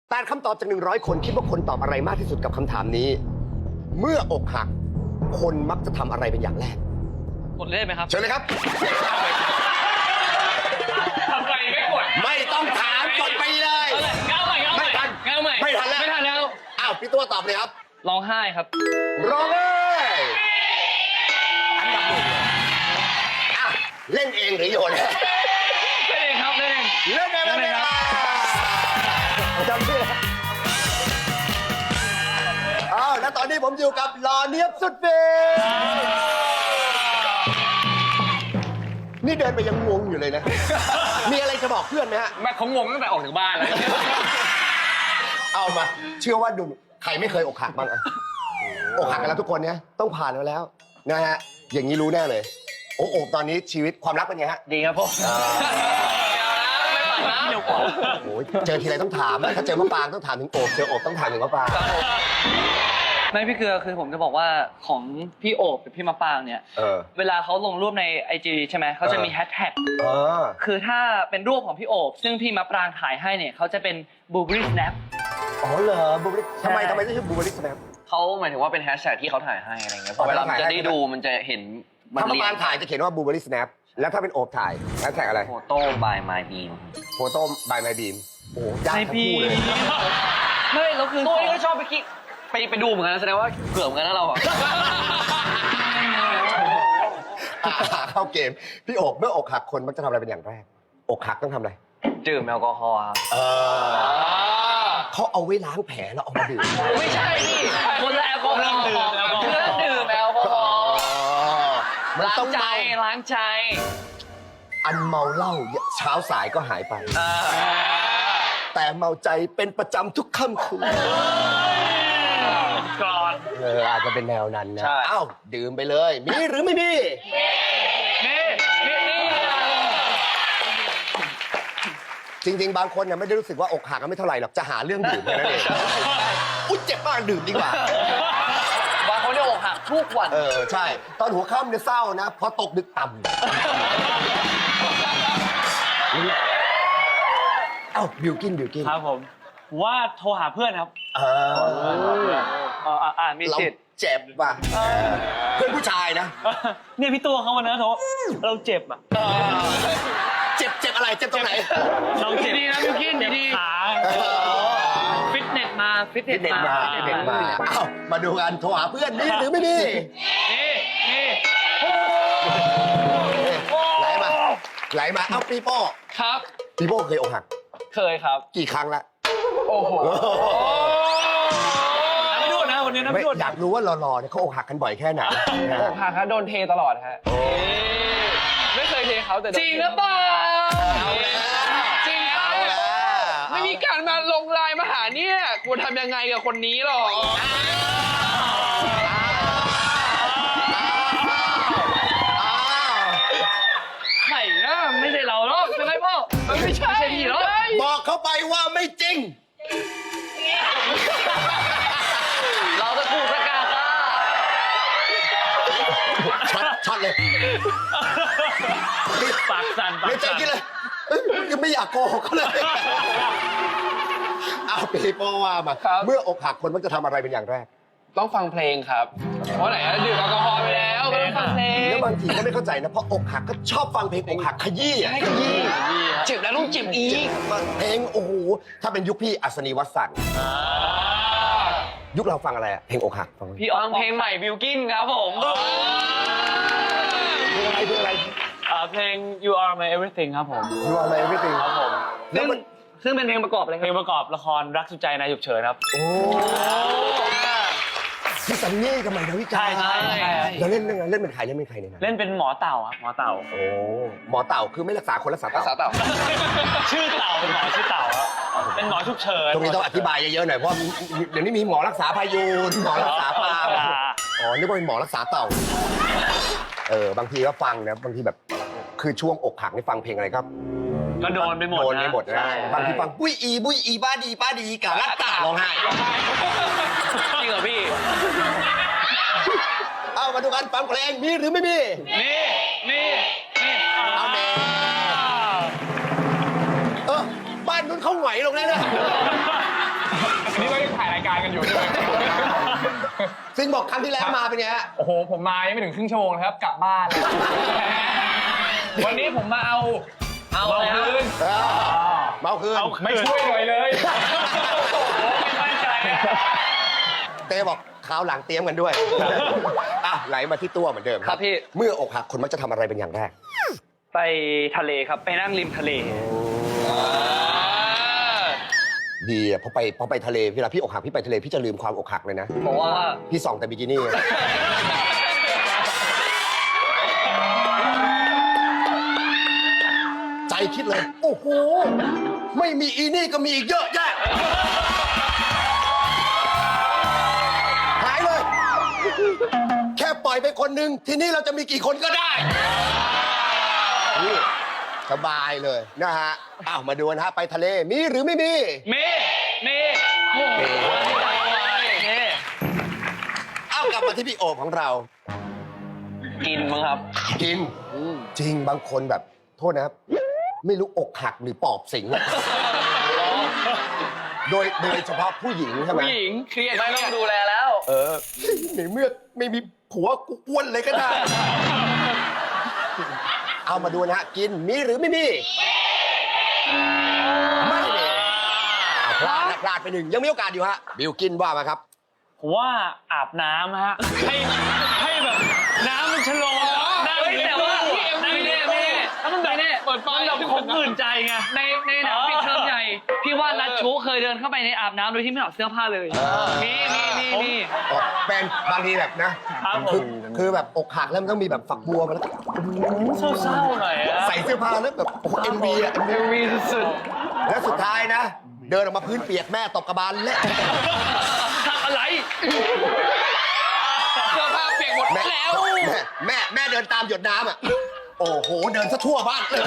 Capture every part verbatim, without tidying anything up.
แปดคำตอบจากหนึ่งร้อยคนคิดว่าคนตอบอะไรมากที่สุดกับคำถามนี้ เมื่ออกหักคนมักจะทำอะไรเป็นอย่างแรกกดเล่นไหมครับเชิญเลยครับทำไมไม่กดไม่ต้องถามกดไปเลยเก้าใหม่เก้าใหม่ไม่ทันเก้าใหม่ไม่ทันแล้วไม่ทันแล้วอ้าวพี่ตัวตอบเลยครับร้องไห้ครับร้องเลยอันดับหนึ่งเลยอ่ะเล่นเองหรือโยนเล่นเองครับเล่นเองเล่นเองเล่นเองจำชื่ออ้าวแล้วตอนนี้ผมอยู่กับหล่อเนียบสุดฟินนี่เดินไปยังงงอยู่เลยนะ มีอะไรจะบอกเพื่อนไหมฮะแม่เขางงตั้งแต่ออกจากบ้านเลยเอามา เชื่อว่าดูใครไม่เคยอกหักบ้างอะอกหักกันแล้วทุกคนเนี่ยต้องผ่านมาแล้วนะฮะ อย่างนี้รู้แน่เลย โอ้โอบตอนนี้ชีวิตความรักเป็นไงฮะดีครับพ่อไม่ผ่านนะเดี๋ยวก่อนโอ้ยเจอทีไรต้องถามถ้าเจอมะปรางต้องถามถึงโอบเจอโอบต้องถามถึงมะปรางไม่พี่เกลือคือผมจะบอกว่าของพี่โอบกับพี่มะปรางเนี่ยเออเวลาเขาลงรูปในไอจีใช่ไหมเขาจะมีเออแฮชแท็กเออคือถ้าเป็นรูปของพี่โอบซึ่งพี่มะปรางถ่ายให้เนี่ยเขาจะเป็นบูบ e ี snap อ๋อเหรอบูเบอรี่ทำไมทำไมต้องชื่อบูเบอรี่สแนปเขาหมายถึงว่าเป็นแฮชแท็กที่เขาถ่ายให้อะไรเงี้ยพอเวลามันจะได้ดูมันจะเห็นมันถ้ามะเรีปยรางงถ่ายจะเขียนว่าบูเบอรี่สแนปแล้วถ้าเป็นโอบถ่ายแฮชแท็กอะไรโฟโต้บายมายบีมโฟโต้บายไมบีมโอ้โหยากทั้งคู่เลยไม่แล้วคือตัวนี้ก็ชอบไปคิดไปไปดูเหมือนกันนะแสดงว่าเกือบเหมือนกันนะเราอ่ะอ่ะเข้าเกม พี่โอบเมื่ออกหักคนมักจะทำอะไรเป็นอย่างแรก อกหักต้องทำอะไรดื่มแอลกอฮอล์ครับเออเขาเอาไว้ล้างแผลแล้วเอามาดื่มไม่ใช่นี่คนละแอลกอฮอล์เพื่อดื่มแอลกอฮอล์มันล้าต้อง งใจเมาล้างใจอันเมาเหล้าเช้าสายก็หายไป แต่เมาใจเป็นประจำทุกค่ำคืนก่อนเอออาจจะเป็นแนวนั้นนะใช่อ้าวดื่มไปเลย มีหรือไม่มีนี่นี่นี่จริง ๆ บางคนเนี่ยไม่ได้รู้สึกว่าอกหักก็ไม่เท่าไหร่หรอกจะหาเรื่องดื่มแค่นั้นเองอุ๊ยเจ็บมากดื่มดีกว่าบางคนเนี่ยอกหักทุกวันเออใช่ ตอนหัวค่ำเนี่ยเศร้านะพอตกดึกต่ำเอ้าบิวกินบิวกินครับผมว่าโทรหาเพื่อนครับเออเอออ่ามีเราสิทธิ์เจ็บว่ะเพื่อนผู้ชายนะเนี่ยพี่ตัวเขาวันนั้นโทรเราเจ็บอ่ะเจ็บเจ็บอะไรเจ็บตรงไหนเราเจ็บดีนะบิวกินเจ็บดีขาฟิตเนสมาฟิตเนเด็สกมามาเด็กมาเอ้ามาดูกันโทรหาเพื่อนมีหรือไม่มีนี่นี่ไหลมาไหลมาเอ้าปีโป้ครับปีโป้เคยอกหักเคยครับกี่ครั้งละโอ้โหน้ำไม่ดูดนะวันนี้น้ำไม่ไม่ดูดอยากรู้ว่าหล่อๆเนี่ยเขาอกหักกันบ่อยแค่ไหนนะอกหักครับโดนเทตลอดฮะไม่เคยเทเขาแต่จริงหรือเปล่าเอาแล้วจริงเอาแล้วไม่มีการมาลงไลน์มาหาเนี่ยกูทำยังไงกับคนนี้หรอไข่นะไม่ใช่เราหรอกใช่ไหมพ่อมันไม่ใช่พี่หรอกบอกเขาไปว่าไม่จริงเราจะถูกประกาศค่ะช็อตช็อตเลยปากสั่นปาไม่กใจสั่นกินเลยเอ้ยยังไม่อยากโกหกเขาเลย เอาปีโป้ว่ามา เมื่ออกหักคนมักจะทำอะไรเป็นอย่างแรกต้องฟังเพลงครับ เพราะไหนอะดื่มแอลกอฮอล์ไปแล้วก็ต้องฟังเพลงแล้วบางทีก็ไม่เข้าใจนะ เพราะอกหักก็ชอบฟังเพลงอกหักขยี้อะขยี้เจ็บแล้วต้องเจ็บอีกเพลงโอ้โห ถ้าเป็นยุคพี่อัศนีวสันต์ยุคเราฟังอะไรอะเพลงอกหักฟังเพลงพี่อองเพลงใหม่บิวกินครับผมอะไรเพลงอะไรอ่าเพลง You Are My Everything ครับผมยูอะไรไม่เพลงครับผมแล้วมันซึ่งเป็นเพลงประกอบอะไรเพลงประกอบละครรักสุดใจนายฉุกเฉินครับโอ้พี่สันนี่กับใหม่ดาวิกาใช่ใช่ใช่แล้วเล่นเรื่องอะไรเล่นเป็นใครเล่นเป็นใครในนั้นเล่นเป็นหมอเต่าครับหมอเต่าโอ้หมอเต่าคือไม่รักษาคนรักษาภาษาเต่าเต่าชื่อเต่าเป็นหมอชื่อเต่าครับเป็นหมอฉุกเฉินตรงนี้ต้องอธิบายเยอะๆหน่อยเพราะเดี๋ยวนี้มีหมอรักษาพายุนหมอรักษาปลาอ๋อนึกว่าเป็นหมอรักษาเต่าเออบางทีก็ฟังนะบางทีแบบคือช่วงอกหักนี่ฟังเพลงอะไรครับก็โดนไปหมดโดนไปหมดนะนะบางทีฟังปุ้ยอีบุ้ยอีบ้าดีป้าดีกะรักตาร้องไห้จริงเหรอพี่เอามาดูกันฟังเพลงมีหรือไม่มีนี่นี่นี่เอาแม่เออบ้านนู้นเขาไหวลงแล้วนะกันอยู่ใช่ไหมซึ่งบอกครั้งที่แล้วมาเป็นไงฮะโอ้โหผมมายังไม่ถึงครึ่งชั่วโมงนะครับกลับบ้านแล้ววันนี้ผมมาเอาเอาคืนเออเมาคืนไม่ช่วยหน่อยเลยโอ้โหไม่มั่นใจเต้บอกคราวหลังเตรียมกันด้วยอ่ะไหลมาที่ตัวเหมือนเดิมครับพี่เมื่ออกหักคนมักจะทำอะไรเป็นอย่างแรกไปทะเลครับไปนั่งริมทะเลดีอ่ะพอไปพอไปทะเลเวลาพี่อกหักพี่ไปทะเลพี่จะลืมความอกหักเลยนะเพราะว่าพี่ส่องแต่บิกินี่ ใจคิดเลย โอ้โห ไม่มีอีนี่ก็มีอีกเยอะแยะ หายเลย แค่ปล่อยไปคนหนึ่งทีนี้เราจะมีกี่คนก็ได้นี่สบายเลยนะฮะอ้าวมาดูนะฮะไปทะเลมีหรือไม่มีเมเมโอ้โหเมเอ้ากลับมาที่พี่โอบของเรากินมั้งครับกินจริงบางคนแบบโทษนะครับ ไม่รู้อกหักหรือปอบสิงอะโดยโดยเฉพาะผู้หญิงใช่ไหมผู้หญิงเครียดไม่ต้องดูแลแล้วเออในเมื่อไม่มีผัวกูอ้วนเลยก็ได้ เอามาดูนะฮะกินมีหรือไม่มีไม่มีเอาพลาดนะพลาดไปหนึ่งยังมีโอกาสอยู่ฮะบิวกินว่ามาครับผมว่าอาบน้ำฮะให้ให้แบบน้ำมันชะลอนั่งเฮ้ยแต่ว่าไม่แน่ไม่แน่แล้วมันแบบไม่แน่เปิดไฟมันแบบของอื่นใจไงในในหนังปิดเทอมใหญ่พี่ว่ารัชชูเคยเดินเข้าไปในอาบน้ำโดยที่ไม่ถอดเสื้อผ้าเลยเออมีมีมีมีอ๋อเป็นบางทีแบบนะครับผมคือคือแบบอกหักแล้วมันต้องมีแบบฝักบัวมาแล้วเศร้าๆหน่อยอะใส่เสื้อผ้าแล้วแบบเอ็มวีอะเอวีสุดแล้วสุดท้ายนะ เดินออกมาพื้นเปียกแม่ตบกระบาลและๆทำอะไรเสื้อผ้าเปียกหมดแม่แล้วแม่แม่แม่เดินตามหยดน้ำอ่ะโอ้โหเดินซะทั่วบ้านเลย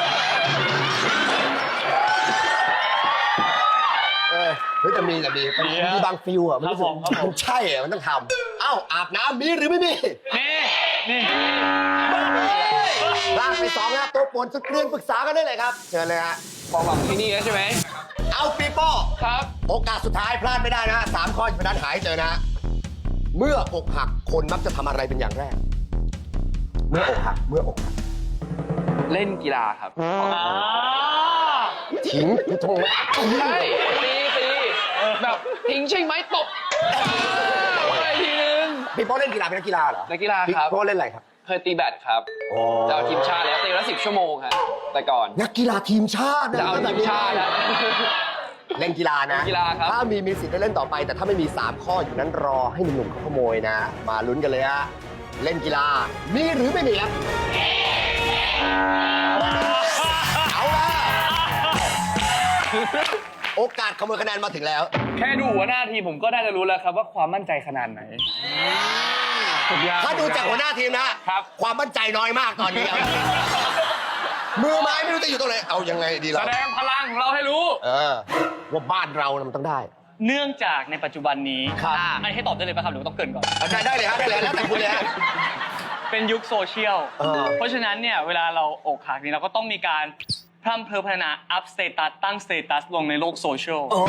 เออเฮ้ยแต่มีแต่มีมีบางฟิลอ่ะมันรู้สึกมันใช่อ่ะมันต้องทำเอ้าอาบน้ำมีหรือไม่มีนี่นี่ลากไปสองนะตัวปวนสุดเกลียนปรึกษากันได้เลยครับเชิญเลยฮะความหวังที่นี่แล้วใช่ไหมเอาปีโป้ครับโอกาสสุดท้ายพลาดไม่ได้นะฮะสามข้ออยู่ด้านหายเจอนะฮะเมื่ออกหักคนมักจะทำอะไรเป็นอย่างแรก เมื่ออกหักเมื่ออกหักเล่นกีฬาครับอ่าทิ้งกูทงใช่ตีตีแบบทิ้งใช่ไหมตบอะไรทีนึงพี่โป้เล่นกีฬาเป็นนักกีฬาเหรอนักกีฬาพี่ครับโป้เล่นอะไรครับเคยตีแบดครับโอ้จะเอาทีมชาติแล้วตีละสิบชั่วโมงครับแต่ก่อนนักกีฬาทีมชาตินจะเอาทีมชาติแล้วเล่นกีฬานะเล่นกีฬาครับถ้ามีมีสิทธิ์ได้เล่นต่อไป แต่ถ้าไม่มีสามข้ออยู่นั้นรอให้หนุ่มๆเขาขโมยนะ มาลุ้นกันเลยฮะเล่นกีฬามีหรือไม่มีครับเอาละโอกาสขโมยคะแนนมาถึงแล้วแค่ดูหัวหน้าทีมผมก็ได้จะรู้แล้วครับว่าความมั่นใจขนาดไหนถ้าดูจากหัวหน้าทีมนะครับ ความมั่นใจน้อยมากตอนนี้ มือไม้ไม่รู้จะอยู่ตรงไหนเอายังไงดีแสเราดงพลังของเราให้รู้เออว่าบ้านเรานะมันต้องได้เนื่องจากในปัจจุบันนี้ครับอันนี้ให้ตอบได้เลยป่ะครับหรือว่าต้องเกรินก่อนเอาได้ได้เลยฮะได้เลยแล้วแต่คุณเลยฮะเป็นยุคโซเชียลเออเพราะฉะนั้นเนี่ยเวลาเราอกหักนี่เราก็ต้องมีการพร่ำเพอพัฒนาอัพสเตตัสตั้งสเตตัสลงในโลกโซเชียลโอ้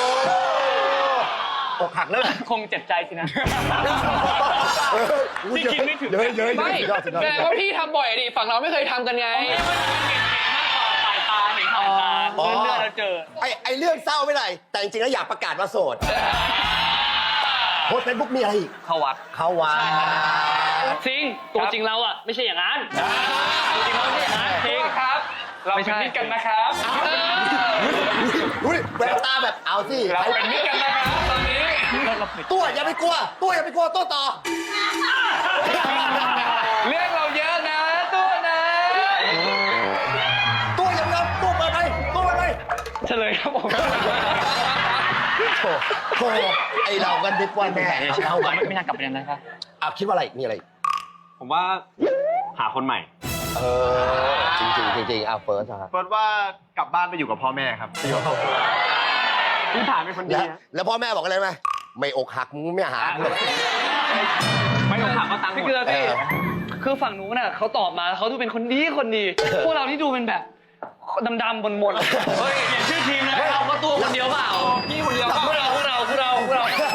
อกหักแล้วคงเจ็บใจสินะเออที่คิดไม่ถึงเยอะเยอะไม่สุดยอดสุดยอดแปลว่าพี่ทำบ่อยดิฝั่งเราไม่เคยทำกันไงสายตาเห็นสายตาเลื่อนเลื่อนแล้วเจอไอไอเรื่องเศร้าไม่ไรแต่จริงๆแล้วอยากประกาศว่าโสดโพสเฟซบุ๊กมีอะไรอีกเข้าวัดเข้าวัดจริงตัวจริงเราอ่ะไม่ใช่อย่างนั้นตัวจริงเราไม่ใช่อย่างนั้นจริงครับ เราเป็นมิตรกันนะครับดูดิแววตาแบบเอาสิเราเป็นมิตรกันนะครับตอนนี้ตัวอย่าไปกลัว ตัวอย่าไปกลัวตัวต่อเรื่องเราเยอะนะตัวนะตัวอย่าไปกลัวตัวเปิดไปตัวเปิดไปเฉลยครับผมโถโถไอเรากันทุกวันแน่เอากันไม่น่ากลับไปนั้นนะครับอ่ะคิดว่าอะไรอีกมีอะไรอีกผมว่าหาคนใหม่เออจริงจริงๆจริงๆอ่ะเฟิร์สครับเฟิร์สว่ากลับบ้านไปอยู่กับพ่อแม่ครับที่ผ่านเป็นคนดีแล้วฮะแล้วพ่อแม่บอกอะไรไหมไม่อกหักมึงไม่หาเลยไม่ต้องถามว่าตังค์หมพี่ดเกลือพี่เออคือฝั่งนู้นน่ะเขาตอบมาเขาดูเป็นคนดีคนดี พวกเราที่ดูเป็นแบบดำๆบนๆเฮ้ยเปลี่ยนชื่อทีมนะเราก็ตัวคนเดียวเปล่าพี่คนเดียวพวกเราพวกเราพวกเราพวกเรา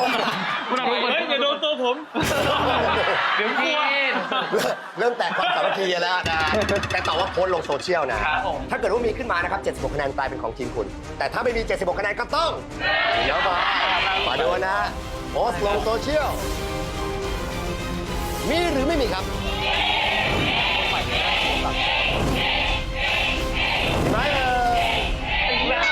ผม เดี๋ยวกลัวเริ่มแตกความสามัคคีแล้วนะ แต่ตอบว่าโพสต์ลงโซเชียลนะครับผมถ้าเกิดว่ามีขึ้นมานะครับเจ็ดสิบหกคะแนนกลายเป็นของทีมคุณ แต่ถ้าไม่มีเจ็ดสิบหกคะแนนก็ต้องเดี๋ยวมามาดูนะโพสต์ลงโซเชียลมีหรือไม่มีครับไม่เอ่ย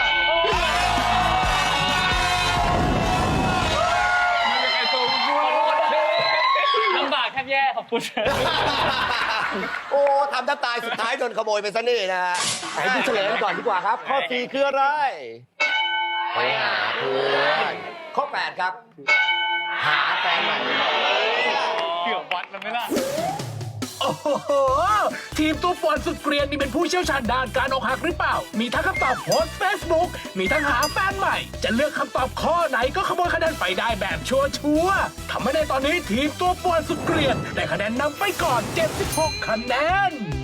ลำบากแทบแย่ขอบคุณโอ้ทำแทบตายสุดท้ายโดนขโมยไปซะนี่นะฮะให้ดูเฉลยกันก่อนดีกว่าครับ ข้อสี่คืออะไรไปหาเพื่อนข้อแปดครับ หาแฟนใหม่เกือบวัดแล้วไหมล่ะโอ้โห ทีมตัวป่วนสุดเกรียนนี่เป็นผู้เชี่ยวชาญด้านการอกหักหรือเปล่า มีทั้งคำตอบโพสเฟซบุ๊กมีทั้งหาแฟนใหม่ จะเลือกคำตอบข้อไหนก็ขโมยคะแนนไปได้แบบชัวร์ๆทำให้ในตอนนี้ทีมตัวป่วนสุดเกรียนได้คะแนนนำไปก่อน เจ็ดสิบหก คะแนน